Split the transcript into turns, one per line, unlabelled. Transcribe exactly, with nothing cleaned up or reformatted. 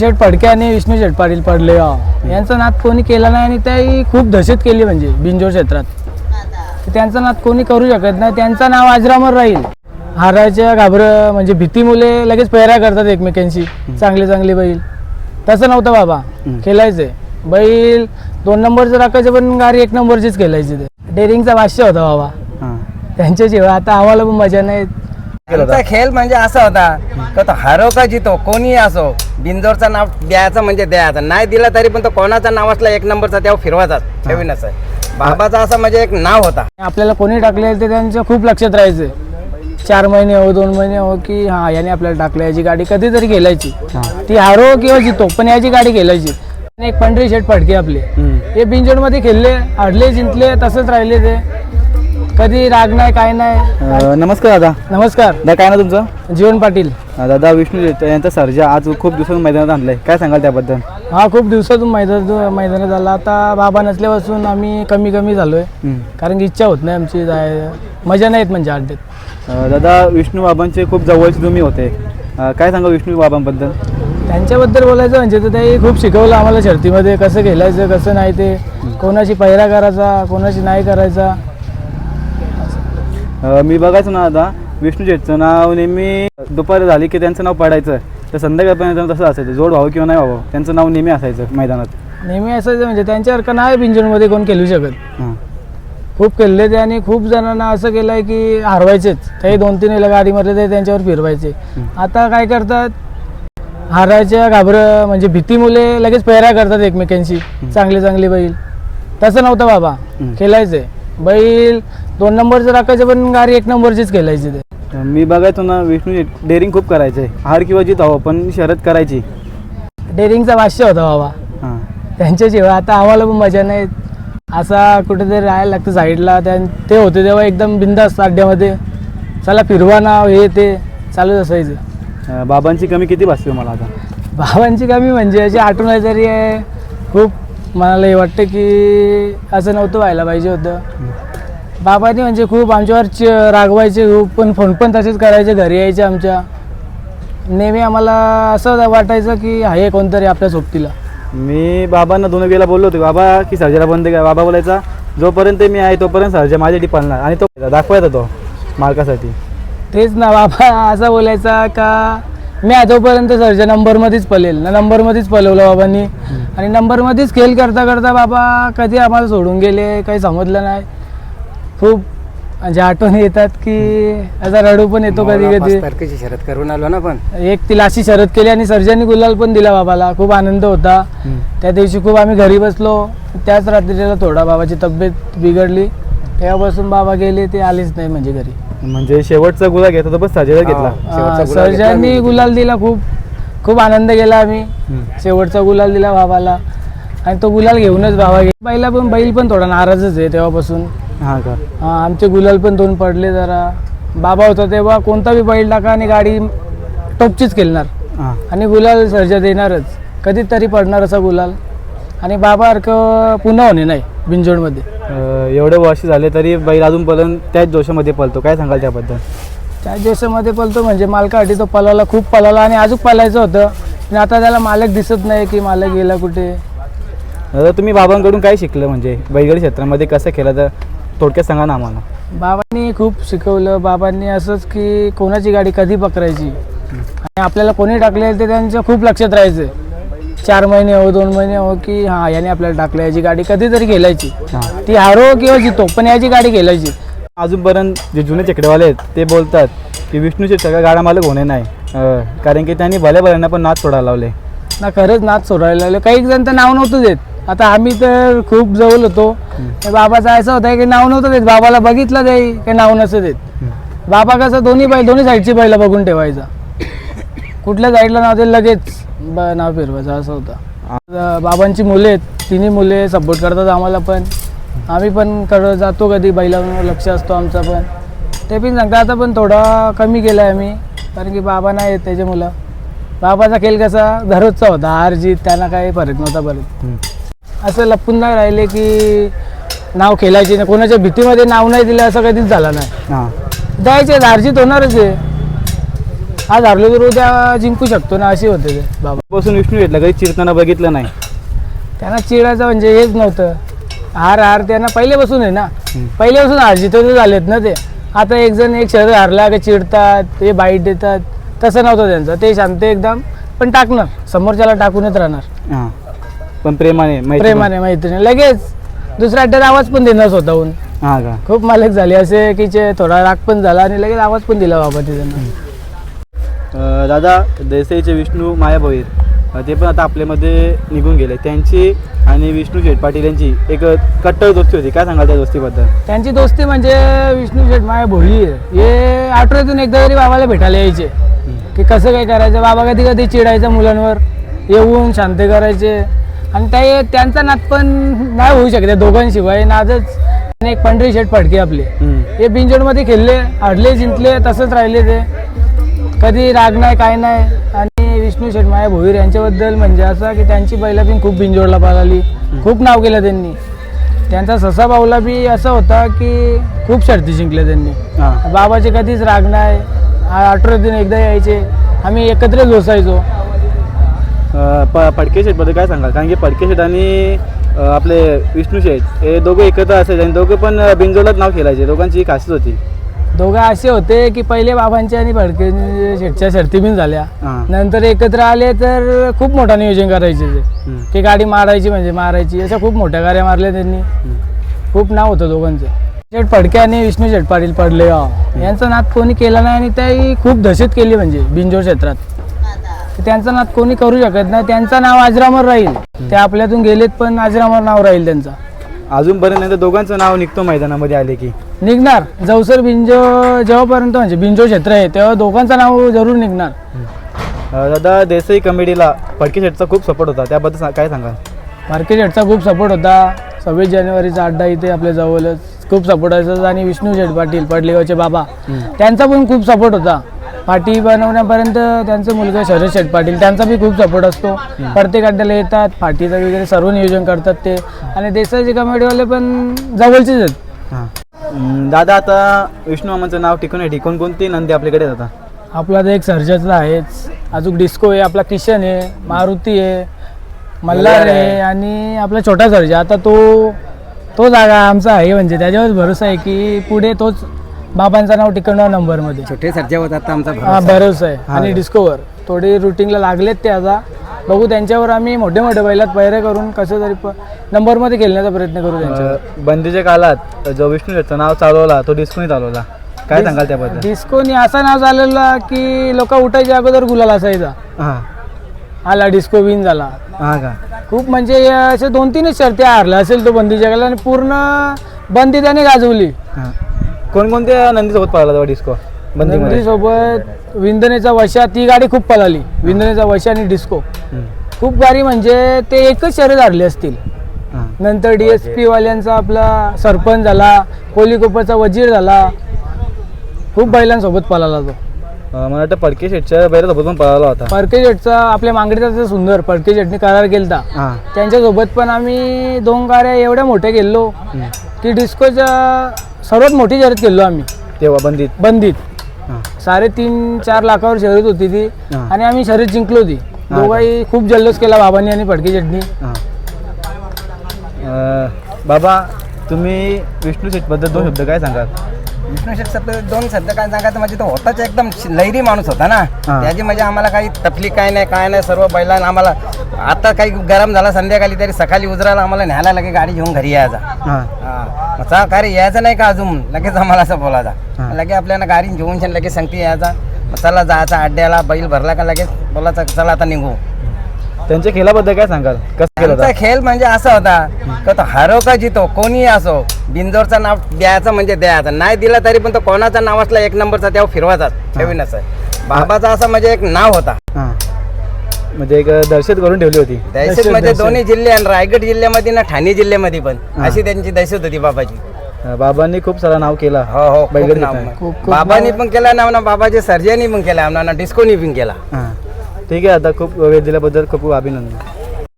शेठ फडके आणि विष्णू शेठ पाटील पडले यांचा नाद कोणी केला नाही आणि त्याही खूप दहशत केली म्हणजे बिंजोर क्षेत्रात त्यांचा नाद कोणी करू शकत नाही. त्यांचं नाव अजरामर राहील. हाराच्या घाबर म्हणजे भीती मुले लगेच पेहरा करतात एकमेकांशी. चांगले चांगले बैल तसं नव्हतं बाबा. खेळायचे बैल दोन नंबरचं राखायचे पण गाडी एक नंबरचीच खेळायची. ते डेअरिंगचा भाष्य होता बाबा त्यांच्या जेव्हा. आता आम्हाला पण मजा नाही.
त्यांचा खेळ म्हणजे असा होता तो हारो का जितो कोणी असो बिंजोरचं नाव द्यायचं म्हणजे द्यायचं. नाही दिला तरी पण तो कोणाचं नाव असला एक नंबरचा तेव्हा फिरवायचाच ठेवीन असं. बाबाचा असं म्हणजे एक नाव होता.
आपल्याला कोणी टाकले ते त्यांच्या खूप लक्षात राहायचं. चार महिने हो दोन महिने हो की हा याने आपल्याला टाकलं याची गाडी कधीतरी खेळायची. ती हारो किंवा जितो पण याची गाडी खेळायची. एक पंढरी शेठ फडके आपले हे बिंजोड मध्ये खेळले हडले जिंकले तसंच राहिले. ते कधी राग नाही काय नाही.
नमस्कार दादा.
नमस्कार
दादा काय ना तुमचं?
जीवन पाटील.
दादा विष्णू यांचा सर्जा आज खूप दिवसातून मैदानात आणलाय, काय सांगाल त्याबद्दल?
हा खूप दिवसातून मैदान मैदानात झाला. आता बाबा नसल्यापासून आम्ही कमी कमी झालोय कारण की इच्छा होत नाही आमची जाय मजा नाहीत म्हणजे अड्ड्यात.
दादा विष्णू बाबांचे खूप जवळचे तुम्ही होते, काय सांगा विष्णू बाबांबद्दल?
त्यांच्याबद्दल बोलायचं म्हणजे तर ते खूप शिकवलं आम्हाला शर्तीमध्ये कसं खेळायचं कसं नाही. ते कोणाशी पहिरा करायचा कोणाशी नाही करायचा.
मी बघायचो ना दादा विष्णू शेठचं नाव नेहमी दुपारी झाली की त्यांचं नाव पडायचं तर संध्याकाळपर्यंत तसं असायचं. जोड व्हावं किंवा नाही व्हावं त्यांचं नाव नेहमी असायचं मैदानात.
नेहमी असायचं म्हणजे त्यांच्यासारखं नाही बिंजोडमध्ये कोण खेळू शकत. खूप खेळले ते आणि खूप जणांना असं केलं आहे की हरवायचेच. ते दोन तीन वेळेला गाडीमध्ये ते त्यांच्यावर फिरवायचे. आता काय करतात हाराच्या घाबर म्हणजे भीती मुले लगेच पेहरा करतात एकमेकांशी. चांगले चांगले बैल तसं नव्हतं बाबा. खेळायचे बैल दोन नंबरचं राखायचे पण गाडी एक नंबरचीच खेळायची. ते
मी बघायचो ना विष्णू डेअरिंग खूप करायचे, हार किंवा जीत हवं पण शर्यत करायची.
डेअरिंगचा भाष्य होता बाबा त्यांच्या जेव्हा. आता आम्हाला पण मजा नाही. असा कुठेतरी राहायला लागतं साईडला. ते होते तेव्हा एकदम बिंदास अड्ड्यामध्ये चला फिरवा नाव हे ते चालूच असायचं.
बाबांची कमी किती भासते मला आता?
बाबांची कमी म्हणजे अशी आठवण तरी आहे खूप. मनाला हे वाटतं की असं नव्हतं व्हायला पाहिजे होतं. बाबांनी म्हणजे खूप आमच्यावर रागवायचे खूप पण फोन पण तसेच करायचे. घरी यायचे आमच्या नेहमी. आम्हाला असं वाटायचं की आहे कोणतरी आपल्या सोबतीला.
मी बाबांना दोन वेळेला बोललो होतो बाबा की सर्जाला बंद काय. बाबा बोलायचा जोपर्यंत मी आहे तोपर्यंत सर्जा माझ्यासाठी पाळणार आणि तो दाखवायचा तो मालकासाठी.
तेच ना बाबा असा बोलायचा का मी जोपर्यंत सर्जा नंबरमध्येच पळेल ना. नंबरमध्येच पळवलं बाबांनी आणि नंबरमध्येच खेळ करता करता बाबा कधी आम्हाला सोडून गेले काही समजलं नाही. खूप म्हणजे आठवणी येतात की असा रडू पण येतो कधी कधी.
तारखेची शर्यत करून आलो ना पण
एक तिला अशी शर्यत केली आणि सर्जानी गुलाल पण दिला बाबाला. खूप आनंद होता त्या दिवशी. खूप आम्ही घरी बसलो. त्याच रात्रीला थोडा बाबाची तब्येत बिघडली तेव्हापासून बाबा गेले ते आलेच नाही म्हणजे घरी.
म्हणजे शेवटचा गुलाल घेत होता बस सर्जाला घेतला.
सर्जानी गुलाल दिला. खूप खूप आनंद केला आम्ही. शेवटचा गुलाल दिला बाबाला आणि तो गुलाल घेऊनच बाबा गेला. बैला पण बैल पण थोडा नाराजच आहे तेव्हापासून.
हा का?
हा आमचे गुलाल पण दोन पडले जरा. बाबा होता तेव्हा कोणता बी बैल टाका आणि गाडी टॉपचीच खेळणार आणि गुलाल सर्जा देणारच. कधीतरी पडणार असा गुलाल आणि बाबासारखं पुन्हा होणे नाही बिंजोडमध्ये.
एवढे वर्ष झाले तरी बैल अजूनपर्यंत त्याच जोशामध्ये पळतो, काय सांगाल त्याबद्दल?
त्याच जोशामध्ये पळतो म्हणजे मालकासाठी तो पळाला खूप पळाला आणि अजून पळायचं होतं आणि आता त्याला मालक दिसत नाही की मालक गेला कुठे.
दादा तुम्ही बाबांकडून काय शिकलं म्हणजे बैलगाडी क्षेत्रामध्ये कसं केलं तर थोडक्यात सांगा ना आम्हाला.
बाबांनी खूप शिकवलं. बाबांनी असंच की कोणाची गाडी कधी पकडायची आणि आपल्याला कोणी टाकले ते त्यांच्या खूप लक्षात राहायचं. चार महिने हो दोन महिने हो की हा याने आपल्याला टाकलं याची गाडी कधीतरी खेळायची. ती हारो किंवा जितो पण याची गाडी खेळायची.
अजूनपर्यंत जे जुने चकडेवाले आहेत ते बोलतात की विष्णूचे सगळ्या गाड्या मालक होणे नाही कारण की त्यांनी भल्या भल्यांना पण नाच सोडायला लावले
ना. खरंच नाच सोडायला लागले. काही जण तर नाव नव्हतं देत. आता आम्ही तर खूप जवळ होतो. बाबाचा असं होता की नाव नव्हतं देत. बाबाला बघितलं जाई काही नाव नसतं देत. बाबा कसं दोन्ही बैल दोन्ही साईडची बैला बघून ठेवायचा. कुठल्या साईडला नाव ते लगेच नाव फिरवायचं असं होतं. बाबांची मुले आहेत तिन्ही मुले सपोर्ट करतात आम्हाला पण. आम्ही पण कडं जातो कधी बैलांवर लक्ष असतो आमचा पण. ते पण सांगतात आता पण थोडा कमी केला आहे आम्ही कारण की बाबा नाही आहेत त्याचे मुलं. बाबाचा खेळ कसा दररोजचा होता. हार जीत त्यांना काही फरक नव्हता परत. असं लपून नाही राहिले की नाव खेळायचे नाही. कोणाच्या भीतीमध्ये नाव नाही दिलं असं कधीच झालं नाही. द्यायचे हारजीत होणारच आहे. आज हारलो तर उद्या जिंकू शकतो ना, अशी होते ते बाबा.
बसून विष्णू शेटला कधी चिरताना बघितलं नाही.
त्यांना चिडायचं म्हणजे हेच नव्हतं. हार हार त्यांना पहिल्यापासून आहे ना, पहिल्यापासून हार जिथं झालेत ना ते. आता एक जण एक शहर हारला का चिडतात, ते बाईट देतात, तसं नव्हतं त्यांचं. ते शांत एकदम, पण टाकणार समोरच्याला टाकूनच राहणार.
हां, पण प्रेमाने मैत्री-
प्रेमाने मैत्रीने लगेच दुसऱ्या अड्ड्यात आवाज पण देणार स्वतःहून.
हां का.
खूप मालक झाले असे की जे थोडा राग पण झाला आणि लगेच आवाज पण दिला बाबा तिथं.
अं, दादा देसाईचे विष्णू माया भोईर अं, ते पण आता आपल्यामध्ये निघून गेले. त्यांची आणि विष्णू शेठ पाटील यांची एक कट्टर दोस्ती होती. काय सांगाल त्या दोस्तीबद्दल?
त्यांची दोस्ती म्हणजे विष्णू शेठ माया भोईर हे आठवड्यातून एकदा तरी बाबाला भेटायला यायचे की कसं काय करायचं. बाबा कधी कधी चिडायचं मुलांवर, येऊन शांत करायचे. आणि ते त्यांचा नाद पण नाही होऊ शकत दोघांशिवाय. नादच. आणि एक पंढरी शेठ फडके आपले, हे बिंजोडमध्ये खेळले, हडले जिंकले, तसंच राहिले ते. कधी राग नाही काय नाही. आणि विष्णू शेठ माया भोईर यांच्याबद्दल म्हणजे असं की त्यांची बैला पण खूप बिंजोडला पाळाली, खूप नाव केलं त्यांनी. त्यांचा ससा बावला बी असा होता की खूप शर्ती जिंकल्या त्यांनी.
हां.
बाबाचे कधीच राग नाही. आठवड्यातून एकदा यायचे, आम्ही एकत्रच बसायचो.
अं, प फडके शेठबद्दल काय सांगाल? कारण की फडके शेठ आणि अं, आपले विष्णू शेठ हे दोघं एकत्र असायचे आणि दोघं पण बिंजोडलाच नाव खेळायचे. दोघांची ही खासियत होती.
दोघं असे होते की पहिले बाबांच्या आणि फडके शेठच्या शर्ती बिन झाल्या.
हां.
नंतर एकत्र आले तर खूप मोठा नियोजन करायचे ते,
हम्म.
की गाडी मारायची म्हणजे मारायची. अशा खूप मोठ्या गाड्या मारल्या त्यांनी.
हम्म.
खूप नाव होतं दोघांचं. शेठ फडके आणि विष्णू शेठ पाटील पडले यांचा नाद कोणी केला नाही. आणि त्याही खूप दहशत केली म्हणजे बिंजोड क्षेत्रात. त्यांचा नाद कोणी करू शकत नाही. त्यांचं नाव अजरामर राहील. ते आपल्यातून गेलेत पण अजरामर नाव राहील त्यांचं
अजूनपर्यंत नाही तर दोघांचं नाव निघतो मैदानामध्ये आले की.
निघणार. जवसर बिंजो जेव्हापर्यंत म्हणजे बिंजो क्षेत्र आहे तेव्हा दोघांचं नाव जरूर निघणार.
अं, दादा देसाई कमेडीला फडके शेठचा खूप सपोर्ट होता. त्याबद्दल सा- काय सांगाल?
मार्केट शेठचा खूप सपोर्ट होता. सव्वीस जानेवारीचा अड्डा इथे आपल्या जवळच खूप सपोर्ट असायचा. आणि विष्णू शेठ पाटील पडलेगावचे बाबा, त्यांचा पण खूप सपोर्ट होता. पाटी बनवण्यापर्यंत त्यांचा मुलगा शरद शेठ पाटील, त्यांचा बी खूप सपोर्ट असतो. प्रत्येक अड्ड्याला येतात, पाटीचं वगैरे सर्व नियोजन करतात ते. आणि देसाईचे कमेडीवाले पण जवळचेच आहेत.
हां. अं, दादा आता विष्णू मामांचं नाव टिकवण्यासाठी कोणकोणती नंदी आपल्याकडे जातात?
आपला तर एक सर्जाचा आहेच, अजून डिस्को आहे, आपला किशन आहे, मारुती आहे, मल्हार आहे आणि आपला छोटा सर्जा. आता तो तो जागा आमचा आहे म्हणजे त्याच्यावर भरोसा आहे की पुढे तोच बाबांचं नाव टिकवणार नंबरमध्ये.
छोटे सर्जा होता आता आमचा
हा भरोसा आहे. आणि डिस्कोवर थोडी रुटीनला लागलेत ते. आता बघू त्यांच्यावर आम्ही मोठे मोठे बैलात पैरे करून कसं तरी प नंबरमध्ये खेळण्याचा प्रयत्न करू त्यांच्यावर.
अं, बंदीच्या काळात जो विष्णू शेठचं नाव चालवला तो डिस्कोनी चालवला. काय सांगाल त्याबद्दल?
डिस्कोनी असा नाव झालेला की लोक उठायच्या अगोदर गुलाल असायचा.
हां.
आला डिस्को विन झाला.
हां का.
खूप म्हणजे असे दोन तीनच शर्ती हारला असेल तो बंदीच्या काळात. आणि पूर्ण बंदी त्याने गाजवली.
हां. कोणकोणत्या नंदीसोबत पळाला तेव्हा डिस्को बंदीमध्ये?
सोबत विंदनेचा वशा, ती गाडी खूप पळाली. विंदनेचा वशा आणि डिस्को
हं.
खूप गाडी म्हणजे ते एकच शर्यत हारले असतील.
हां.
नंतर डी एस पी वाल्यांचा आपला सरपंच झाला, कोलीकोपाचा वजीर झाला. खूप बैलांसोबत पळाला तो.
अं, मला वाटतं फडके शेठच्या बैलासोबत पण पळाला होता.
फडके शेटचा आपल्या मांगडीचा सुंदर फडके शेटने करार केलता.
हां.
त्यांच्यासोबत पण आम्ही दोन गाड्या एवढ्या मोठ्या गेलो की डिस्कोच्या सर्वात मोठी शर्यत केलो आम्ही
तेव्हा बंदीत.
बंदीत.
हां.
साडेतीन चार लाखावर शर्यत होती ती.
हां.
आणि आम्ही शर्यत जिंकलो ती. दोघाही खूप जल्लोष केला बाबांनी आणि फडके शेटनी.
हां. अं, बाबा तुम्ही विष्णू शेठबद्दल दोन शब्द काय सांगाल?
विष्णू शेठ सर दोन शब्द काय सांगायचं म्हणजे तो होताच एकदम लैरी माणूस होता ना.
हां.
त्याची म्हणजे आम्हाला काही तकलीफ काय नाही काय नाही. सर्व बैलांना आम्हाला आता काही गरम झाला संध्याकाळी तरी सकाळी उजराला आम्हाला न्यायला लगे गाडी घेऊन घरी यायचा.
हां.
हा चा कार्य यायचं नाही का अजून लगेच आम्हाला असं बोलायचा.
हां.
लगे आपल्याला गाडी घेऊन छान लगेच सांगते यायचा. मग चला जायचा अड्ड्याला, बैल भरला का लगेच बोलायचा चला आता निघू.
त्यांच्या खेळाबद्दल काय सांगाल? कसं केलं
त्यांचा
होता?
खेळ म्हणजे असा होता का तो हारो का जितो कोणी असो बिंजोरचं नाव द्यायचं म्हणजे द्यायचं. नाही दिला तरी पण तो कोणाचा नाव असला एक नंबरचा तेव्हा फिरवायचाच. ठेवीन असं बाबाचा असं म्हणजे एक नाव होता.
हां. म्हणजे एक दहशत करून ठेवली होती.
दहशत म्हणजे दोन्ही जिल्हे आणि रायगड जिल्ह्यामध्ये ना ठाणे जिल्ह्यामध्ये पण अशी त्यांची दहशत होती बाबाची.
अं, बाबांनी खूप सारा नाव केला.
हो हो खूप
बैलगाडी
नाव.
खेळताना.
खूप- खूप
बाबांनी पण केला नाव ना, बाबाचे सर्जनी पण केला आम्हाला, डिस्कोनी पण केला.
हां. ठीक आहे. आता खूप वेळ दिल्याबद्दल खूप खूप अभिनंदन.